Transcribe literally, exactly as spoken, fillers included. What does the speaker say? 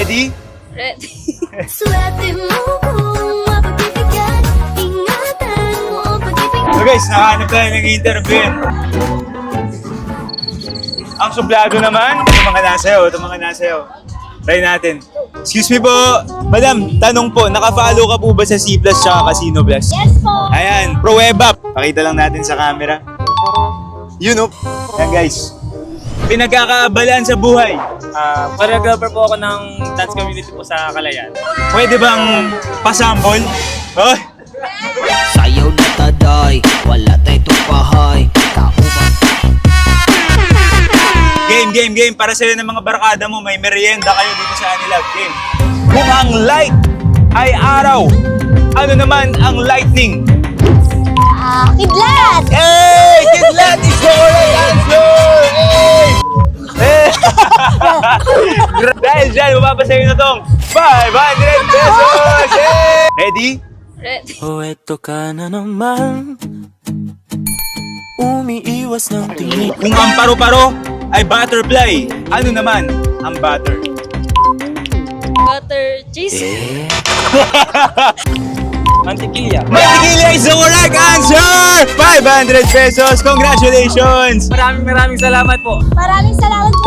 Ready? Ready. Swerte mo kung mapagpipigyan, ingatan mo ang pag-ibig. So guys, nakahanap tayo ng interview. Ang suplado naman, ito mga nasayaw, ito mga nasayaw. Try natin. Excuse me po, madam, tanong po, naka-follow ka po ba sa C Plus tsaka Casino Plus? Yes po! Ayan, Pruweba. Pakita lang natin sa camera. Yun oh. Ayan guys. Pinagkakaabalaan sa buhay. Ah, choreographer po ako ng dance community po sa Kalayan. Pwede bang pasambol? Oh, Sayaw na taday, wala tayo tupahay. Kauban game, game, game. Para sa'yo ng mga barkada mo, may merienda kayo dito sa Anilab. Game. Kung ang light ay araw, ano naman ang lightning? Ah, kidlat! Hey! Kidlat is the correct answer! Hey! Hey! Dahil dyan, mapapasayo na tong five hundred pesos! Hey! Ready? Ready. Oh, eto ka na naman. Umiiwas ng tingin. Kung ang paro-paro ay butterfly, ano naman ang butter? Butter cheese. Mantikilya. Mantikilya is the correct answer! five hundred pesos! Congratulations! Maraming maraming salamat po. Maraming salamat